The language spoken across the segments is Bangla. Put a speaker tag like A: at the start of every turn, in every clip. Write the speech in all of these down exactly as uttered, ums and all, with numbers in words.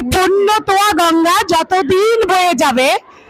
A: পুণ্যতোয়া গঙ্গা যতদিন বয়ে যাবে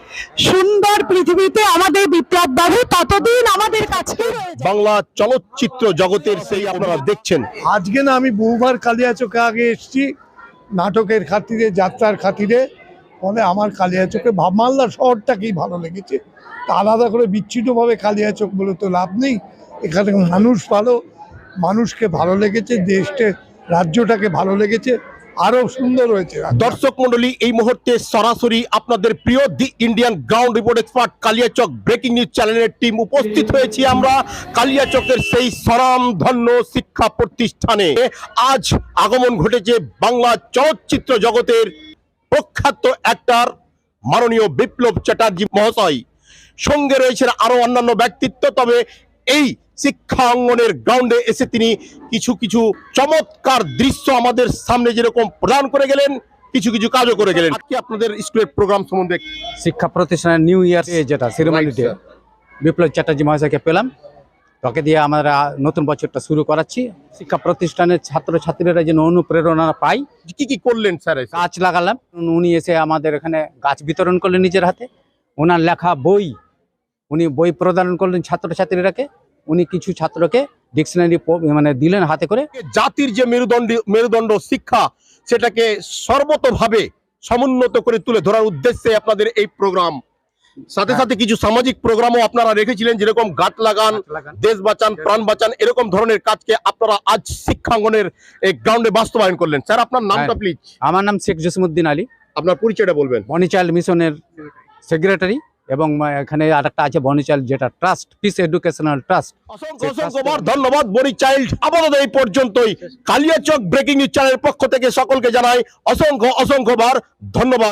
A: সুন্দর পৃথিবীতে আমাদের বিপ্লব বাবু ততদিন আমাদের কাছে
B: বাংলা চলচ্চিত্র জগতের সেই আপনারা দেখছেন।
C: আজকে না আমি বহুবার কালিয়াচকে আগে এসেছি নাটকের খাতিরে, যাত্রার খাতিরে, ফলে আমার কালিয়াচকে ভাবমাল্লা শহরটাকেই ভালো লেগেছে। তা আলাদা করে বিচ্ছিন্নভাবে কালিয়াচক বলে তো লাভ নেই, এখানে মানুষ ভালো, মানুষকে ভালো লেগেছে, দেশকে রাজ্যটাকে ভালো লেগেছে, আরো সুন্দর হয়েছে।
B: দর্শক মন্ডলী, এই মুহূর্তে সরাসরি আপনাদের প্রিয় the Indian ground report expert Kaliachak breaking news চ্যানেলের টিম উপস্থিত হয়েছি আমরা কালিয়াচকের সেই স্বনামধন্য শিক্ষা প্রতিষ্ঠানে। আজ আগমন ঘটেছে বাংলা চলচ্চিত্র জগতের প্রখ্যাত অ্যাক্টর মাননীয় বিপ্লব চ্যাটার্জি মহাশয়, সঙ্গে রয়েছেন আরো অন্যান্য ব্যক্তিত্ব। তবে এই শিক্ষা অঙ্গনের গ্রাউন্ডে এসে তিনি কিছু কিছু চমৎকার দৃশ্য আমাদের সামনে যেরকম প্রদান করে গেলেন, কিছু কিছু কাজও করে গেলেন। আজকে আপনাদের স্কুলের প্রোগ্রাম সম্বন্ধে
D: শিক্ষা প্রতিষ্ঠানের নিউ ইয়ার যেটা সেরেমনি ডে, বিপ্লব চ্যাটার্জি মহাশয়কে পেলাম, তাকে দিয়ে আমরা নতুন বছরটা শুরু করাচ্ছি। শিক্ষা প্রতিষ্ঠানের ছাত্রছাত্রীরা যেন অনুপ্রেরণা পায়।
B: কি কি করলেন স্যার?
D: গাছ লাগালাম, উনি এসে আমাদের এখানে গাছ বিতরণ করলেন নিজের হাতে, ওনার লেখা বই উনি বই প্রদান করলেন ছাত্রছাত্রীরাকে, উনি কিছু ছাত্রকে ডিকশনারি মানে দিলেন হাতে করে।
B: জাতির যে মেরুদণ্ড মেরুদণ্ড শিক্ষা, সেটাকে সর্বতোভাবে সমুন্নত করে তুলে ধরার উদ্দেশ্যে আপনাদের এই প্রোগ্রাম। সাথে সাথে কিছু সামাজিক প্রোগ্রামও আপনারা রেখেছিলেন, যেরকম গাছ লাগান, দেশ বাঁচান, প্রাণ বাঁচান, এরকম ধরনের কাজকে আপনারা আজ শিক্ষাঙ্গনের এই গ্রাউন্ডে বাস্তবায়ন করলেন। স্যার, আপনার নামটা প্লিজ।
D: আমার নাম শেখ জসিমউদ্দিন আলী,
B: আপনার পরিচয়টা বলবেন।
D: বনি চাইল্ড মিশনের সেক্রেটারি, এবং এখানে আরেকটা আছে বনি চাইল্ড যেটা ট্রাস্ট, পিস এডুকেশনাল ট্রাস্ট।
B: অসংখ্য অসংখ্যবার ধন্যবাদ বনি চাইল্ড। আপাতত এই পর্যন্তই। কালিয়াচক ব্রেকিং নিউজ চ্যানেলের পক্ষ থেকে সকলকে জানাই অসংখ্য অসংখ্যবার ধন্যবাদ।